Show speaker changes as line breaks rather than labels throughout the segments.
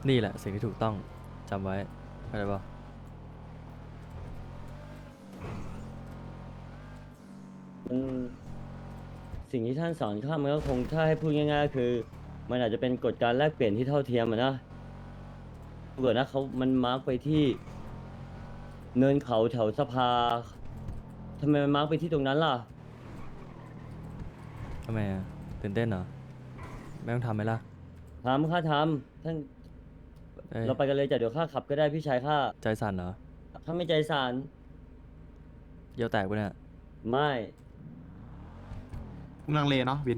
นี่แหละสิ่งที่ถูกต้องจำไว้เข้าใจปะ
มันสิ่งที่ท่านสอนข้ามันก็คงถ้าให้พูดง่ายๆก็คือมันอาจจะเป็นกฎการแลกเปลี่ยนที่เท่าเทียมอะนะเกิดนะเขามันมาร์กไปที่เนินเขาแถวสภาทำไมมันมาร์กไปที่ตรงนั้นล่ะ
ทำไมอะตื่นเต้นเหรอไม่ต้องทำไหมล่ะ
ทำข้าทำท่าน
เอ้ย
เราไปกันเลยจ้ะเดี๋ยวข้าขับก็ได้พี่ชายข้า
ใจสั่นเหรอ
ข้าไม่ใจสาน
เยี่ยวแตกปะเนี่ย
ไม่
มึงลังเลเนาะวิน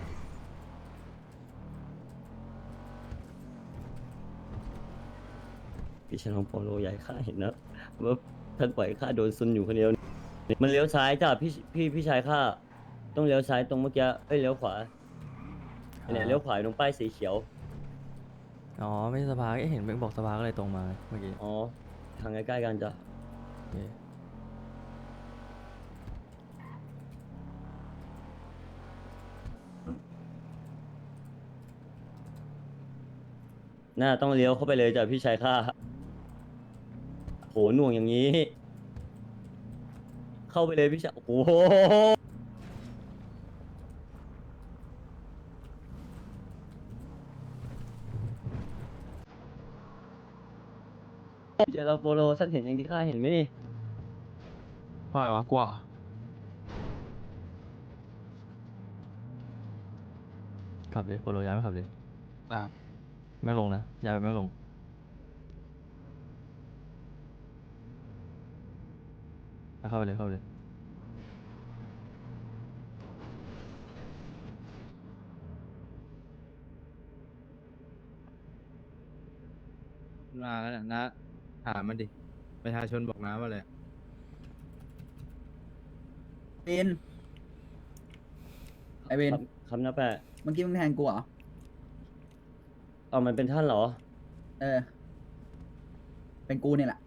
พี่ชายของโปโลใหญ่ข้าเห็นนะว่าท่านปล่อยข้าโดนซุนอยู่คนเดียวมันเลี้ยวซ้ายจ้ะพี่ชายข้าต้องเลี้ยวซ้ายตรงเมื่อกี้เอ้ยเลี้ยวขวาเนี่ยเลี้ยวขวาตรงป้ายสีเขียว
อ๋อไม่ใช่สภาเอ๊ะเห็นเบงบอกสภาก็เลยตรงมาเมื่อกี้
อ๋อทางใกล้ๆกันจ้ะ
โอเค
น่าต้องเลี้ยวเข้าไปเลยจ้ะพี่ชายข้าโหหน่วงอย่างนี้ เข้าไปเลยพี่ชายโอ้โหเจอเราโปโลท่านเห็นอย่างที่ข้าเห็นไหมนี่
ว่าไงวะกลัวเหรอ
ขับเลยโปโลย้ายไม่ขับเลย
อ่ะ
ไม่ลงนะย้ายไปไม่ลงเข้าไปเลยเข้าไปเลย
มาแล้วนะถามมันดิ ประชาชนบอกน้าว่าอะไร
เวนไอเวน
คำนับแปะ
เมื่อกี้มึงแทงกูเหรอ
เอามันเป็นท่านเหรอ
เออ เป็นกูเนี่ยแหละ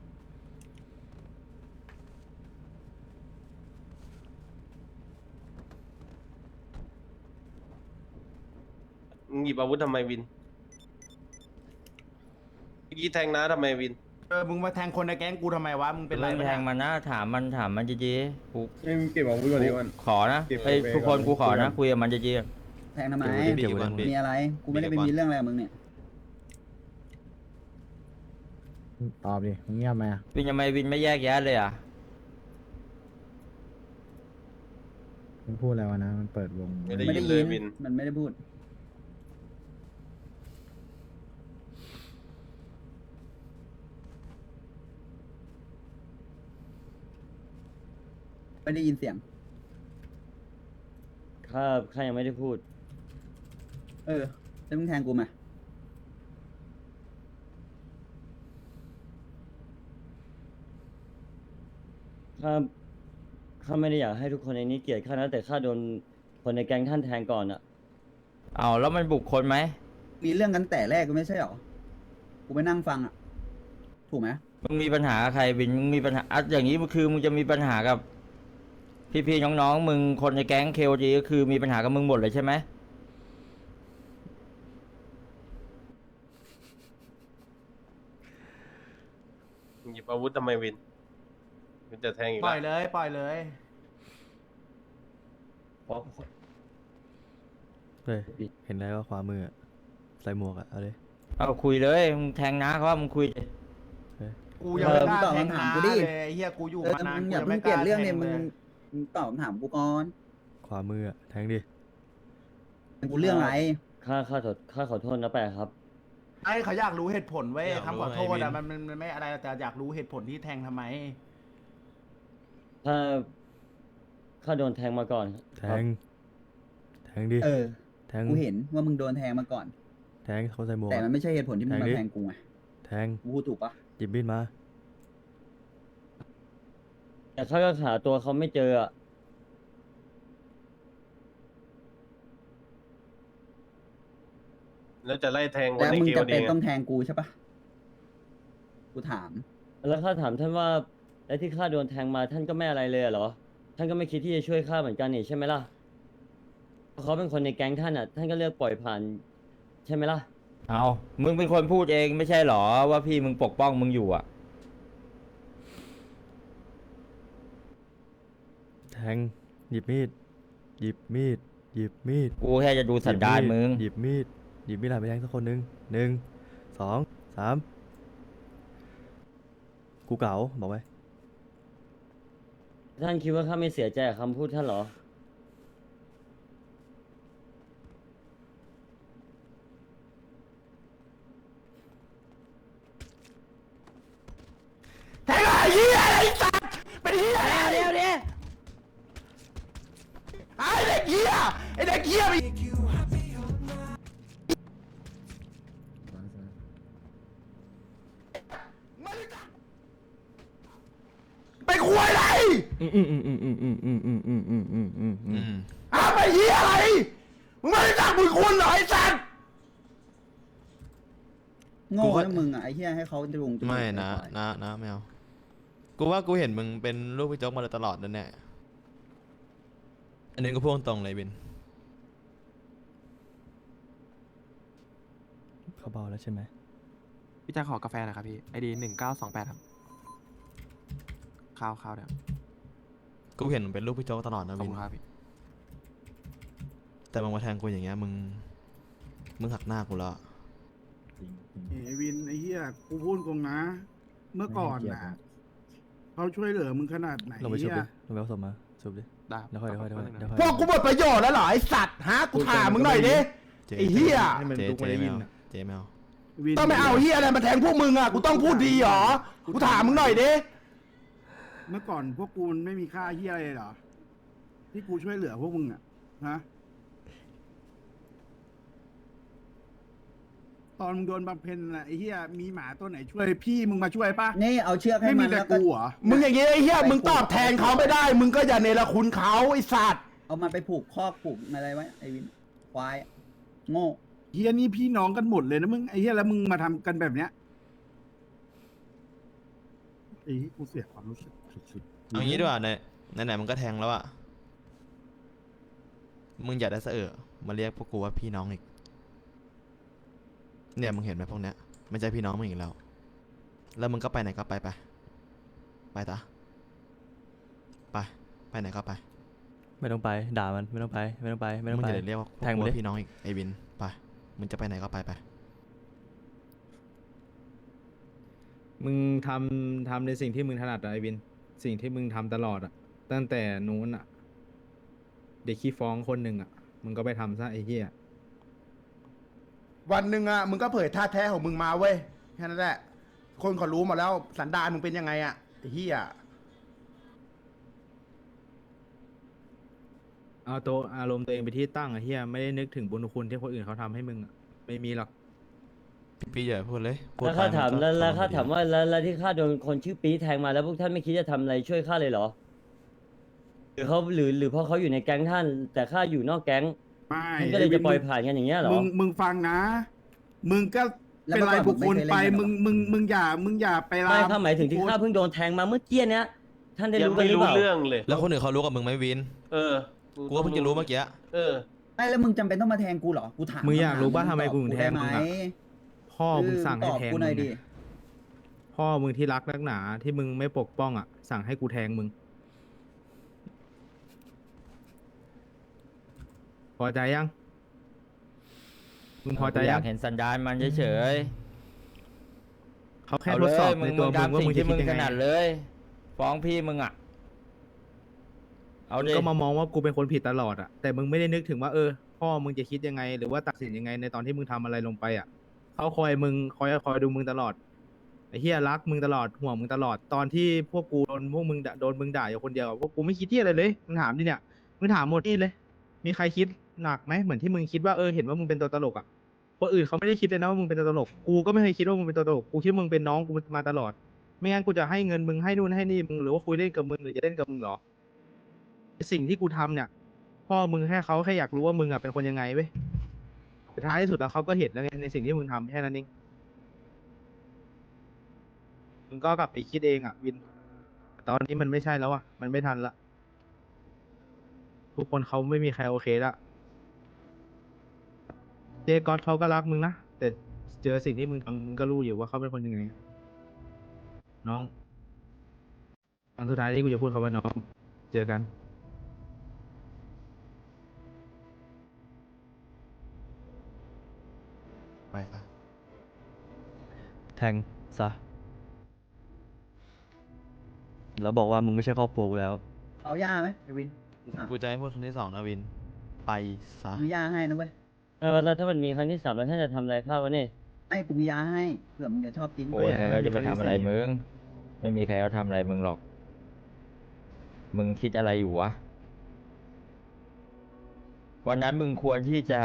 มึงหยิบอาวุธทำไมวินเมื่อกี้แทงน้าทำไมวิน
มึงมาแทงคนในแก๊งกูทำไมวะ มึงเป็นไร
มึง
ปะ
แท
เนี่ย
งมันนะถามมันจีกู
ไม่เก็บอาวุธก่อนดีกว่า
ขอนะ
เก็บ
ไอ้ย
ไว้
ทุกคน
ก่อน
กูขอ
คุยกั
นะ
น
คุยกับมันจี
แทงทำไม
เก็บไว้ในมือ
มีอะไร กูไม่ได้ไปมีเรื่องอะไรกับมึงเนี่ย
ตอบดิมึงเงียบไหมอะ
วินทำไมวินไม่แยกแยะเลยอ่ะ
มึงพูดอะไรวะนะ มันเปิดวง
ไม่ได้
ไม่
ยิ
ได้
นเล
ยิ
ย
น
วิน
มันไม่ได้พูด ไม่ได้ยินเสียง
ข้ายังไม่ได้พูด
เออ แล้วมึงแทงกูมา
ข้าไม่ได้อยากให้ทุกคนในนี้เกลียดข้านะแต่ข้าโดนคนในแก๊งท่านแทงก่อนอะ
เอาแล้วมันบุกคนไหม
มีเรื่องกันแต่แรกก็ไม่ใช่หรอ กูไปนั่งฟังอ่ะ ถูกไหม
มึงมีปัญหากับใครวินมึงมีปัญหาอ่ะอย่างนี้คือมึงจะมีปัญหากับ พี่ๆน้องๆมึงคนในแก๊งเคโอจีก็คือมีปัญหากับมึงหมดเลยใช่ไหม
มึงหยิบอาวุธทำไมวินมันจะแทงอีก
ปล่
แล้
อยว เลยปล่อยเลย
เฮ้ยเห็นอะไรว่าขวามืออะใส่หมวกอะเอาเลย
เอาคุยเลยมึงแทงน้าเขาว่ามึงคุยดิ
กูยังไม่กล้า
ตอบ
แทง
คำถาม
น้า
กู
เล
ดิ
ยไอ้เฮียกูอยู่
เออ
มา
แต่
นาน
มึง
กู
อย่า
ยัง
เพิ่
ไม่
ง
ก
เปลี่ย
ล้าน
เรื่อง
แท
เนี่ย
ง
มึง
เลย
มึงตอบคำถามกูก่อน
ขวามืออะแทงดิ
กูเรื่องอะไร
ข้าขอโทษนะแปะครับ
ไอ้เขาอยากรู้เหตุผลเว้ย
อยากรู้
คำขอโทษ
ไงวิ
อะ
น
มันไม่อะไรแต่อยากรู้เหตุผลที่แทงทำไม
ข้าโดนแทงมาก่อน
แทงแทงดิ
เออ
แทง
กูเห็นว่ามึงโดนแทงมาก่อน
แทงเขาใส่หมวก
แต่
อะ
มันไม่ใช่เหตุผลที่มึง
แทง
มา
ดิ
แทงกูไง
แทง
กูพูดถูกปะ
หยิบมีดมา
แต่ข้าก็หาตัวเขาไม่เจออะ
แล้วจะไล่แทงค
แล้
น
ว
ใน
มึง
เกม
จะ
เอ
เป็น
ง
ต้องแทงกูใช่ปะกูถาม
แล้วข้าถามท่านว่าแล้วที่ข้าโดนแทงมาท่านก็ไม่อะไรเลยเหรอ ท่านก็ไม่คิดที่จะช่วยข้าเหมือนกันนี่ใช่ไหมล่ะเพราะเขาเป็นคนในแก๊งท่านอ่ะ ท่านก็เลือกปล่อยผ่านใช่ไหมล่ะ
เอามึงเป็นคนพูดเองไม่ใช่หรอว่าพี่มึงปกป้องมึงอยู่อ่ะ
แทงหยิบมีดหยิบมีดหยิบมีด
กูแค่จะดูสันดานมึง
หยิบมีดหยิบมีดหลายไปแทงสักคนหนึ่งหนึ่งสองสามกูเก๋าบอกไว้
ท่านคิดว่าข้าไม่เสียใจกับคำพูดท่านเหรอ
แทงไอ้เหี้ยไอ้สัตว์เป็นเหี้ยเดี๋ยวไอ้เด็กเหี้ยไอ้เด็กเหี้ยไปคุยอะไรอ้าวไปเหี้ยอะไรมึงไม่รู้จักบุญคุณเหรอไอ้สัตว์
โง่นะมึงอ่ะไอ้เหี้ยให้เขาจุงจมูก
ไม่
ป
นะ
ก่อ
นะไม่เอากูว่ากูเห็นมึงเป็นลูกพี่โจ๊กมาโดยตลอดนั่นแหละอันนี้ก็พูดตรงเลยบิน
เขาเบาแล้วใช่ไหม
พี่แจะขอกาแฟหน่อยครับพี่ไอดี1928ครับข้าวเดี๋ยว
กูเห็นมึงเป็นลูกพี่โจ๊กตลอดนะ
ขอบ
บิน
คุณครับพี่
แต่มึงมาแทงกูอย่างเงี้ยมึงหักหน้ากูแล้ว
ไอ้วินไอ้เหี้ยกูพูดตรงนะ เมื่อก่อนนะเขาช่วยเหลือมึงขนาดไหน
ลงไปชุบ
เหี้
ดิ
ย
ลงไปเอาศพมาชุบดิ
ได้
เดี๋ยวค่อย
แป๊บนึง
เดี๋ยว
นะ
ค่อย
พวกกูหมดประโยชน์แล้วเหรอไอ้สัตว์ฮะกูถามมึงหน่อยดิ
เจ๊
ไอ้เหี้ย
ให้มัน
เจ๊
ดูไม่ได้ยินอะ
เจ๊ไม่เอา
วิน
ต้องไม่เอาเหี้ยอะไรมาแทงพวกมึงอ่ะกูต้องพูดดีเหรอกูถามมึงหน่อยดิ
เมื่อก่อนพวกกูมันไม่มีค่าเหี้ยอะไรเลยเหรอ ที่กูช่วยเหลือพวกมึงอ่ะฮะตอนมึงโดนบำเพ็ญน่ะไอ้เหี้ยมีหมาตัวไหนช่วยพี่มึงมาช่วยปะ
นี่เอาเชือกให้
ไม่
มั
มี
น
แต่
แล้วก็
กูเหรอ
มึงอย่างงี้ไอ้เหี้ยมึงตอบแทนเขาไม่ได้ มึงก็อย่าเนรคุณเขาไอ้สัตว์
เอามันไปผูกคอกผูกอะไรไว้ไอ้วินควายอะโง่
เฮียนี่พี่น้องกันหมดเลยนะมึงไอ้เฮียแล้วมึงมาทำกันแบบเนี้ยไอ้เหี้ยกูเสียความรู้สึกสุดๆ
เอางี้ดีกว่าไหนมึงก็แทงแล้วอะมึงอย่าได้เสอะมาเรียกพวกกูว่าพี่น้องอีกเนี่ยมึงเห็นไหมพวกเนี้ยไม่ใช่พี่น้องมึงอีกแล้ว แล้วมึงก็ไปไหนก็ไปไปตาไปไหนก็ไป
ไม่ต้องไปด่ามันไม่ต้องไปไม่ต้องไปไม่ต้อง
มึง
ไป
อย่าเรียกว่าพวก
แทง
กู
มันดิ
ว่าพี่น้องอีกไอ้วินไปมึงจะไปไหนก็ไป
มึงทำในสิ่งที่มึงถนัดอะไอวิน สิ่งที่มึงทำตลอดอะตั้งแต่นู้นอะเด็กขี้ฟ้องคนหนึ่งอะมึงก็ไปทำซะไอ้เหี้ย
วันหนึ่งอ่ะมึงก็เผยท่าแท้ของมึงมาเว้ยแค่นั้นแหละคนเขารู้หมดแล้วสันดานมึงเป็นยังไงอ่ะไอ้เหี้ย
เอาตัวอารมณ์ตัวเองไปที่ตั้งไอ้เหี้ยไม่ได้นึกถึงบุญคุณที่คนอื่นเขาทำให้มึงอะไม่มีหรอก
พี่อย่าพูดเลยพูด
แล้วข้า
ไป
ถาม
นก็
แล้วข้า
ทำ
ถามว่าแล้วที่ข้าโดนคนชื่อปี๊ดแทงมาแล้วพวกท่านไม่คิดจะทำอะไรช่วยข้าเลยเหรอ หรือเขาหรือเพราะเขาอยู่ในแก๊งท่าน แต่ข้าอยู่นอกแก๊ง
ไม่
ท่านก็เลยจะปล่อยผ่านกันอย่างเงี้ยเหรอ
มึงฟังนะ มึงก็เป็นรายบุคคลไปมึงอย่าไปลา
ไม่ข้าหมายถึงที่ข้าเพิ่งโดนแทงมาเมื่อกี้เนี้ยท่านได้
ยัง
รู้กัน
ไม่
หรือ
รู้
เปล่า
เรื่องเลย
แล้วคนอื่นเขารู้กับมึงไหมวิน
เออ
กูก็เพิ่งจะรู้เมื่อกี้
เออ
ไม่แล้วมึงจำเป็นต้องมาแทงกูเหรอกูถาม
มึงอยากรู้ป่ะ
คำถ
ทำไมกูถึงแทงมึงอะ
ได้ไห
พ่อมึงสั่งให้
ตอบ
แทง
กูห
มึ
น่อย
ง
ดิ
เนี่ยพ่อมึงที่รักนักหนาที่มึงไม่ปกป้องอะสั่งให้กูแทงมึง พอใจยัง มึงพอใจ
อ
ยั
ยาง กเห็นสันดานมันเฉย
เขา
ๆ
แค่
เอา
ท
เล
ดสอบ
ยมึ
ใน
ง
ตัวมึง
ทำ
ว่า
สิ่
มึ
ง
งจะ
ที่
คิ
มึ
ด
ง
ยัง
ถ
ไง
นัดเลย ฟ้องพี่มึงอ่ะเอา
มึง
ดิ
ก็มามองว่ากูเป็นคนผิดตลอดอะแต่มึงไม่ได้นึกถึงว่าพ่อมึงจะคิดยังไง หรือว่าตัดสินยังไงในตอนที่มึงทำอะไรลงไปอะเขาคอยดูมึงตลอดไอ้เฮียรักมึงตลอดห่วงมึงตลอดตอนที่พวกกูโดนมึงด่าอยู่คนเดียวอะพวกกูไม่คิดที่อะไรเลยมึงถามดิเนี่ยมึงถามหมดนี่เลย มีใครคิดหนักไหมเหมือนที่มึงคิดว่าเห็นว่ามึงเป็นตัวตลกอะคนอื่นเขาไม่ได้คิดเลยนะว่ามึงเป็นตัวตลกกูก็ไม่เคยคิดว่ามึงเป็นตัวตลกกูคิดว่ามึงเป็นน้องกูมาตลอด ไม่งั้นกูจะให้เงินมึงให้นู่นให้นี่มึงหรือว่าคุยเล่นกับมึงหรือจะเล่นกับมึงเหรอสิ่งที่กูทำเนี่ยพ่อมึงเขาแค่อยากรู้ว่ามึงอะเป็นคนยังไงเว้ยแต่ท้ายที่สุดแล้วเขาก็เห็นแล้วไงในสิ่งที่มึงทำแค่นั้นเองมึงก็กลับไปคิดเองอะวิน ตอนนี้มันไม่ใช่แล้วอะมันไม่ทันละทุกคนเขาไม่มีใครโอเคละเจก๊อตเขาก็รักมึงนะแต่เจอสิ่งที่มึงทำมึงก็รู้อยู่ว่าเขาเป็นคนยังไง น้องครั้งสุดท้ายที่กูจะพูดคำว่าน้อง เจอกัน
ไปปะ
แทงซะ แล้วบอกว่ามึงไม่ใช่ครอบครัวกูแล้ว
เอาย่าไหมไอวิน
กูจะให้พูดครั้งที่สองนะวิน ไปซะ
มียาให้นะเว้ย
แล้วถ้ามันมีครั้งที่3แล้วท่านจะทำอะไรข้าวะเนี่ย
ไอ้กูมียาให้เผื่อมึงจะชอบกิน
โอ้ยเขาจะไปทำอะไรมึง ไม่มีใครเขาทำอะไรมึงหรอก มึงคิดอะไรอยู่วะ วันนั้นมึงควรที่จะ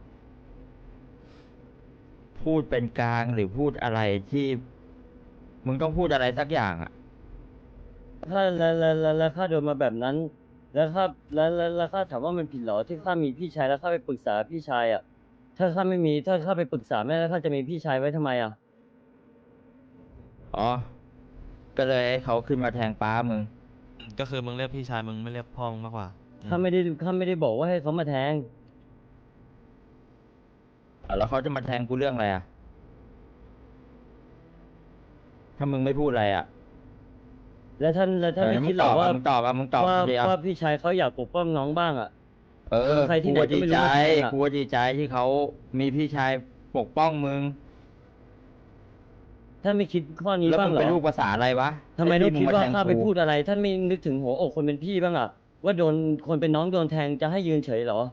พูดเป็นกลางหรือพูดอะไรที่ มึงต้องพูดอะไรสักอย่างอะ
ถ้าแล้วข้าโดนมาแบบนั้น แล้วข้าแล้วข้าถามว่ามันผิดเหรอที่ข้ามีพี่ชายแล้วข้าไปปรึกษาพี่ชายอ่ะ ถ้าข้าไม่มีถ้าข้าไปปรึกษาแม่แล้วข้าจะมีพี่ชายไว้ทำไมอ่ะ
อ๋อ ก็เลยให้เขาขึ้นมาแทงป้ามึง
ก็คือมึงเรียกพี่ชายมึงไม่เรียกพ่อมึงมากกว่าอืม
ข้าไม่ได้บอกว่าให้เขามาแทง
แล้วเขาจะมาแทงกูเรื่องอะไรอ่ะ ถ้ามึงไม่พูดอะไรอ่ะ
แล้วท่านไม่
มึ
คิ
ง
ดหร
ต
อ
อก บ
ว่า
อ่ะมึงตอบอ่ะมึงตอบ
ว่า
เดียว
ว่าพี่ชายเขาอยากปกป้องน้องบ้างอ่ะ
เออ
ใครที่ไหน
กู
ก็
ดี
ไม่รู้
ใจ
ว่าแทงอะ
กูดีใจที่เขามีพี่ชายปกป้องมึง
ท่านไม่คิดข้อนี้
แล้ว
บ้าง
มึง
เหร
เป็น
อ
ลูกภาษาอะไรวะ
ทำไมต้องคิดว่า
ให้พี่ง
ข้าไป
แทงกู
พูดอะไร ท่านไม่นึกถึงหัวอกคนเป็นพี่บ้างอ่ะ ว่าโดนคนเป็นน้องโดนแทงจะให้ยืนเฉยเหรอ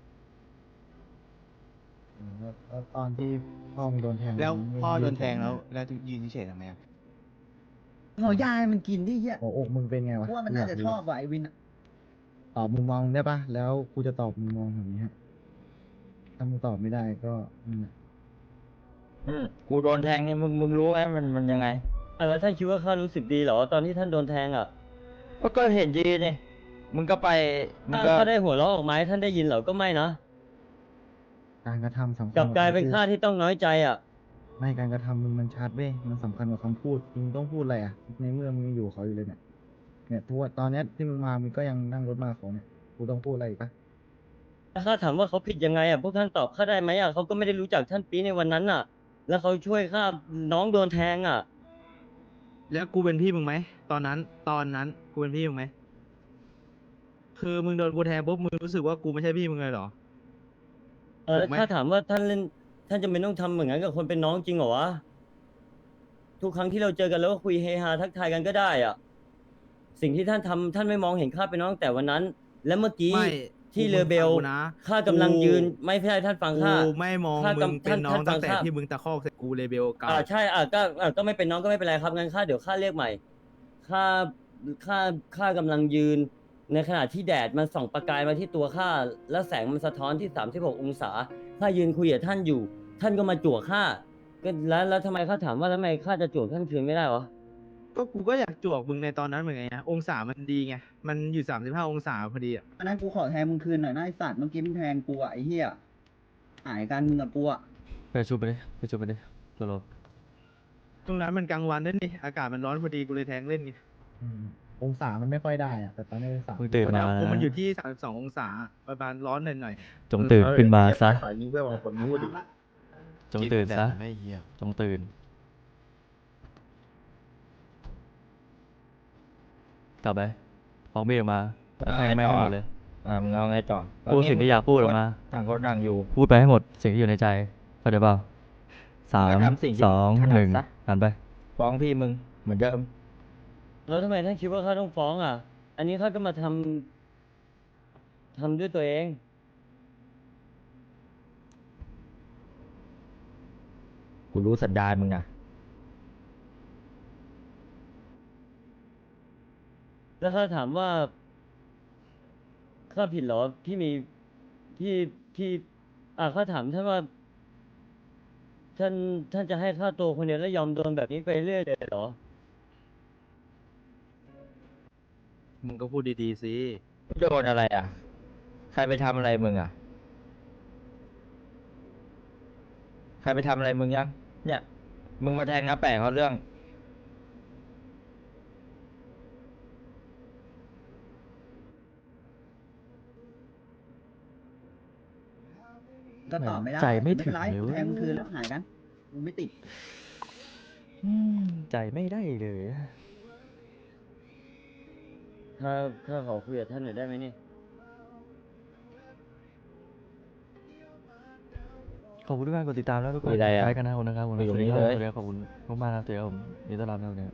แล้วตอนที่พ่อมึงโดนแทง
แล้ว
มึง
พ่อโดน
ยื
แทงแล้วยืนเฉยๆทำไมอะ
เอายาให้มันกินดิเหี้ย
หัวอกมึงเป็นไงวะ
กูว่ามันน่าจะชอบว่ะไอวินอะ
ตอบมุมมองได้ปะแล้วกูจะตอบมุมมองแบบนี้ฮะถ้ามึงตอบไม่ได้ก็นั่นแหละ
กูโดนแทงเนี่ยมึงรู้ไหมมันยังไง
แล้วท่านคิดว่าข้ารู้สึกดีเหรอตอนที่ท่านโดนแทงอ่ะ
ก็เห็นดีนี่มึงก็ไปมึง
ถ้า
ก็
ข้าได้หัวเราะออกมาให้ท่านได้ยินเหรอก็ไม่นะ
การกระทำสำคัญ
กลับกลายเป็น
คำพูด
ข้าที่ต้องน้อยใจอ่ะ
ไม่การกระทำมึงมันชัดเว้ยมันสำคัญกว่าคำพูดมึงต้องพูดอะไรอ่ะในเมื่อมึงยังอยู่กับเขาอยู่เลยเนี่ยทุกวันตอนเนี้ยที่มึงมามึงก็ยังนั่งรถมากับเขาเนี่ยกูต้องพูดอะไรอีกปะ
ถ้าข้าถามว่าเขาผิดยังไงอ่ะพวกท่านตอบข้าได้ไหมอ่ะเขาก็ไม่ได้รู้จักท่านปีในวันนั้นอ่ะ แล้วเขาช่วยข้าน้องโดนแทงอ่ะ
แล้วกูเป็นพี่มึงไหมตอนนั้นกูเป็นพี่มึงไหมคือมึงโดนกูแทงปุ๊บมึงรู้สึกว่ากูไม่ใช่พี่มึงเลยเหรอ ถูกไหม
ถ้าถามว่าท่านจะไม่ต้องทำเหมือนกันกับคนเป็นน้องจริงเหรอวะ ทุกครั้งที่เราเจอกันแล้วก็คุยเฮฮาทักทายกันก็ได้อ่ะ สิ่งที่ท่านทำท่านไม่มองเห็นข้าเป็นน้องแต่วันนั้น และเมื่อกี้
ไม่
ที่
กู
เรือเบล
ฟังกูนะ
ข้ากำลังยืนไม่ใช่ท่านฟังข้า
กูไม่มอง
ข้า
มึงเป็นน้อง
ท่าน
ตั้งแต่
ฟังข้า
ที่มึงตะคอกใส่กูเลเบลเก่า
ใช่ก็ไม่เป็นน้องก็ไม่เป็นไรครับงั้นข้าเดี๋ยวข้าเรียกใหม่ข้าข้ากำลังยืน ในขณะที่แดดมันส่องประกายมาที่ตัวข้าแล้วแสงมันสะท้อนที่36องศาข้ายืนคุยกับท่านอยู่ ท่านก็มาจั่วข้าก็แล้วทำไมข้าถามว่าทำไมข้าจะจั่วท่านคืนไม่ได้วะ
ก็กูก็อยากจวกมึงในตอนนั้นเหมือนไงนะองศามันดีไงมันอยู่35องศาพอดีอ่ะ
อันนั้นกูขอแทนมึงคืนหน่อยนะไอสัตว์เมื่อกี้มึงแทงกูอะไอเหี้ยหายกันมึงกับกูอะ
ไปชุบไปดิไปชุบไปดิโลโล
ตรงนั้นมันกลางวันด้วยนี่อากาศมันร้อนพอดีกูเลยแทงเล่นไง
องศามันไม่ค่อยได้อ่ะแต่ตอนนี้องศา
มึงตื่นมา
ผมมัน
นะ
อยู่ที่32องศาประมาณร้อนหน่อย
จงตื่นขึ้นมาซะ
ฝ่ายยิงเพื่อนบางคนพูดดิ
จงตื่นซะ
ไม่เหี้ย
จงตื่น กลับไปฟ้องมีดออกมาแล้วให้แม่งให้หมดเลย
มึงเอาไงต่อ
พูดสิ่งที่อยากพูดออกมา
ต่างคนต่างอยู่
พูดไปให้หมดสิ่งที่อยู่ในใจเข้าใจเปล่าสาม
ทำสิ่งที่
สอง
ถนัด
หนึ่ง
ซะ
หันไป
ฟ้องพี่มึงเหมือนเดิม
แล้วทำไมท่านคิดว่าข้าต้องฟ้องอ่ะ อันนี้ข้าก็มาทำด้วยตัวเอง
กูรู้สันดานมึงนะ
แล้วข้าถามว่าข้าผิดเหรอที่มีที่ข้าถามท่านว่า ท่านจะให้ข้าตัวคนเดียวแล้วยอมโดนแบบนี้ไปเรื่อยเลยเหรอ
ๆมึงก็พูดดีๆสิ
โดนอะไรอ่ะ ใครไปทำอะไรมึงอ่ะ ใครไปทำอะไรมึงยัง เนี่ย มึงมาแทงน้าแปะเขาเรื่อง
ก็ตอบไม่ได้
ใจไม่ถึง
เป็นไร
เลยเว้ย
แทงมึงคืนแล้วหายกันกูไม่ติด
ใจไม่ได้เลย
ถ้าขอคุยกับท่านหน่อยได้ไหมนี่
ขอบคุณทุกการกดติดตามแล้วทุกคน
มีอะไรอะ
ใช้กันนะขอบคุณนะครับผม
อยู่ตรงนี้
สวัสดี
เลย
ครับขอบคุณมากๆครับเจอกันผมยินดีต้อนรับนะครับ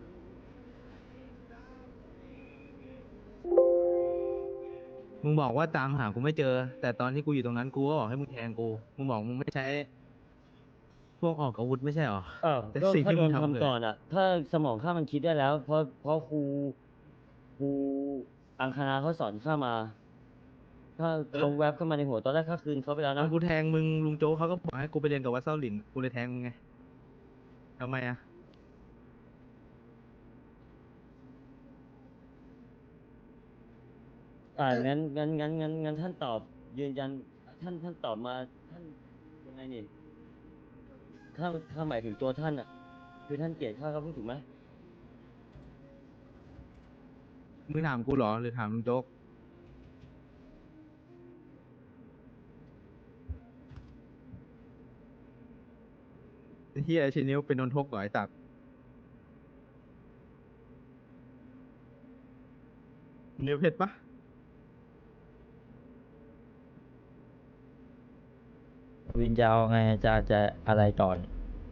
มึงบอกว่าตามหากูไม่เจอ แต่ตอนที่กูอยู่ตรงนั้นกูก็บอกให้มึงแทงกู มึงบอกมึงไม่ใช้ พวกออกอาวุธไม่ใช่หรอ แต่
ก็
สิ่ง
ถ้า
ที่
โด
มึ
น
งทำ
ทำก่อนอ่ะ ถ้าสมองข้ามันคิดได้แล้ว เพราะครูอังคณาเขาสอนข้ามา ถ้าลงแวบเข้ามาในหัวตอนแรกข้าคืนเขาไปแล้ว
ตอ
นะ
นกูแทงมึงลุงโจ๊กเขาก็บอกให้กูไปเรียนกับวัดเส้าหลิน กูเลยแทงมึงไงทำไมอะ
งั้นท่านตอบยืนยันท่านตอบมาท่านยังไงนี่ถ้าหมายถึงตัวท่านอ่ะ คือท่านเกลียดข้าก็พูดถูกไหม
มึงถามกูเหรอหรือถามลุงโจ๊กไอ้เฮียชินิ้วเป็นนนทกเหรอไอ้ตัดนิ้วเพชรปะ
วินจะเอาไงจะอะไรก่อน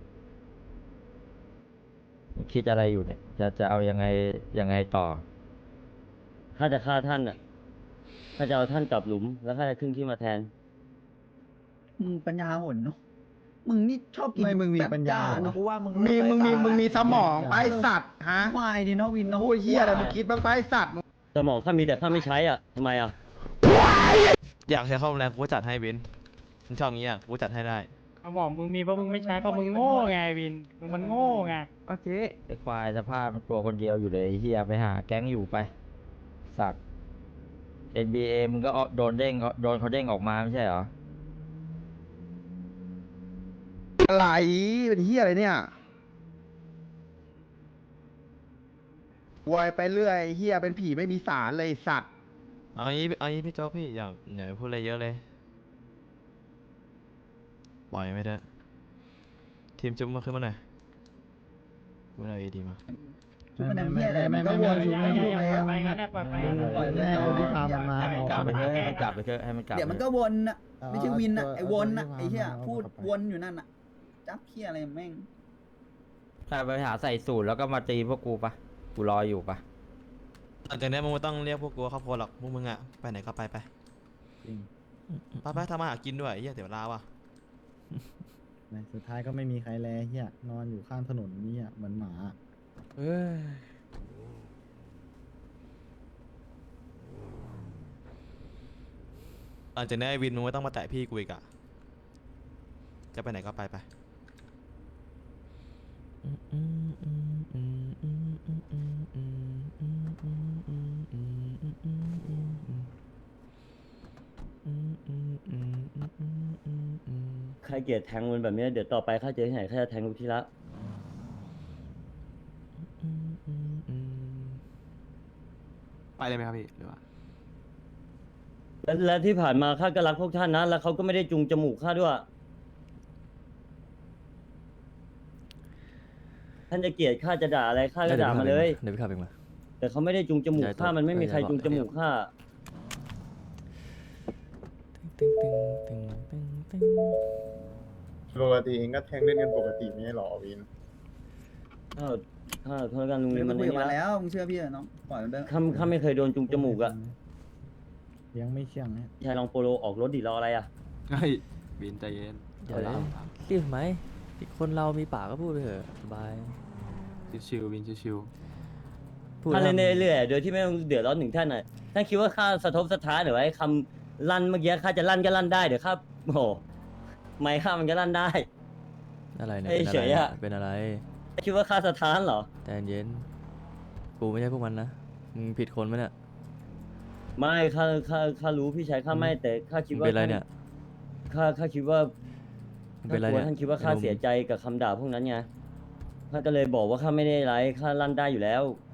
คิดอะไรอยู่เนี่ย จะเอายังไงต่อ
ข้าจะฆ่าท่านอ่ะข้าจะเอาท่านกลับหลุม แล้วข้าจะขึ้นที่มาแทน
มึงปัญญาอ่อนเนาะ มึงนี่ชอบกิน
ไม่มึงมี
แบบ
ปัญญา
จ้
เหรอ
กูว่ามึง
มึงมีสมองไปสัตว์ฮะ
ไม่ดิเนาะวินเนาะ
พูดเฮียอะไรมึงคิดบ้างไปสัตว์
สมองข้ามีแต่ข้าไม่ใช้อ่ะทำไมอ่ะ
อยากใช้ข้อมแรงกูก็จัดให้วินมึงชอบงี้อ่ะกูจัดให้ได้
เขาบอกมึงมีเพราะมึงไม่ใช้เพราะมึงโง่ไงวินมึงมันโง่ไง
โอเคไอ้ควายสภาพมันตัวคนเดียวอยู่เลยไอ้เฮียไปหาแก๊งอยู่ไป สัก NBA มึงก็โดนเขาเด้งออกมาไม่ใช่เหรอ
อะไรเป็นเฮียอะไรเนี่ย วายไปเรื่อยเฮียเป็นผีไม่มีสารเลยสัตว์
เอางี้พี่โจ๊กพี่อย่าพูดอะไรเยอะเลย ปล่อยไม่ได้ทีมจุ๊บมาขึ้นมาหน่อยกูเอาดีมา
ชุดมันเฮียอะไรมันก็วนอยู่
ไม่
ไม่
ไม่
รู้
ไม่
ไง
งั้นปล่อยไป
ปล่อย
แม่เอาที่พามันมา
ให้มันกลับไปเถอะให้มันกลับไปเถอะให้มันกลับ
เดี๋ยวมันก็วนอ่ะ ไม่ใช่วินอ่ะ ไอ้วนอ่ะ ไอ้เฮียพูดวนอยู่นั่นอ่ะ จับเฮียอะไรแม่ง
ถ้าไปหาใส่สูตรแล้วก็มาตีพวกกูปะกูรออยู่ปะ
หลังจากนี้มึงไม่ต้องเรียกพวกกูว่าครอบครัวหรอกพวกมึงอ่ะไปไหนก็ไปไปทำมาหากินด้วยเฮียเดี๋ยวลาว่ะ
สุดท้ายก็ไม่มีใครแลเฮียนอนอยู่ข้างถนนนี่อ่ะเหมือนหมา
เอ้ย
หลังจากนี้ไอ้วินมึงไม่ต้องมาแตะพี่กูอีกอ่ะจะไปไหนก็ไป
ใครเกลียดแทงมันแบบเนี้ยเดี๋ยวต่อไปข้าเจอที่ไหนข้าจะแทงทุกทีละ
ไปเลยไหมครับพี่หรือว่า
และที่ผ่านมาข้าก็รักพวกท่านนะ แล้วเขาก็ไม่ได้จูงจมูกข้าด้วย ท่านจะเกลียดข้าจะด่าอะไรข้าก็ด่ามาเลย
เดี๋ยวพี่ขับเองมา
แต่เขาไม่ได้จูงจมูกข้ามันไม่มีใครจูงจมูกข้า
ปกติเองก็แทงเล่นกันปกติไม่ใช่หรอวิน
ถ้าโทษกันลุง
มึ
นี่
ง
มัน
คุย
นี่
กับมัน
นะ
แล้ว มึงเชื่อพี่เหรอน้อง ปล่อยมันไป
ข้าไม่เคยโดนจูงจมูกอะ
ยังไม่เชื่องนะ
ชายลองโปโลออกรถดิรออะไรอะ
เฮ้ยวินใจเย็น
เดี๋ยวเลยรีบไหมคนเรามีปากก็พูดไปเถอะสบาย
ชิวๆวินชิว
พูด
ท่าน
แล้ว
เล่นเรื่อยๆโดยที่ไม่ต้องเดือดร้อนถึงท่านน่ะท่านคิดว่าข้าสะทบสะท้านหรือว่าไอ้คำลั่นเมื่อกี้ข้าจะลั่นก็ลั่นได้เดี๋ยวข้าโอ้โหไม่ข้ามันก็ลั่นได้
อะไรเนี่ย
เอ้ย
เป็น
เฉ
อะไร
ยอะ
เป็นอะไร
คิดว่าข้าสะท้านเหรอ
ใจเย็นกูไม่ใช่พวกมันนะมึงผิดคนไหมเนี่ย
ไม่ข้ารู้พี่ชายข้าไม่แต่ข้าคิด
มึง
ว่า
เป็นอะไรเนี่ย
ข้าคิดว่า
มึงเป็นอะไรเนี่ย
ท่านคิดว่าข้า
ไอ้หนุ่ม
เสียใจกับคำด่าพวกนั้นไงข้าก็เลยบอกว่าข้าไม่ได้ไรข้าลั่นได้อยู่แล้ว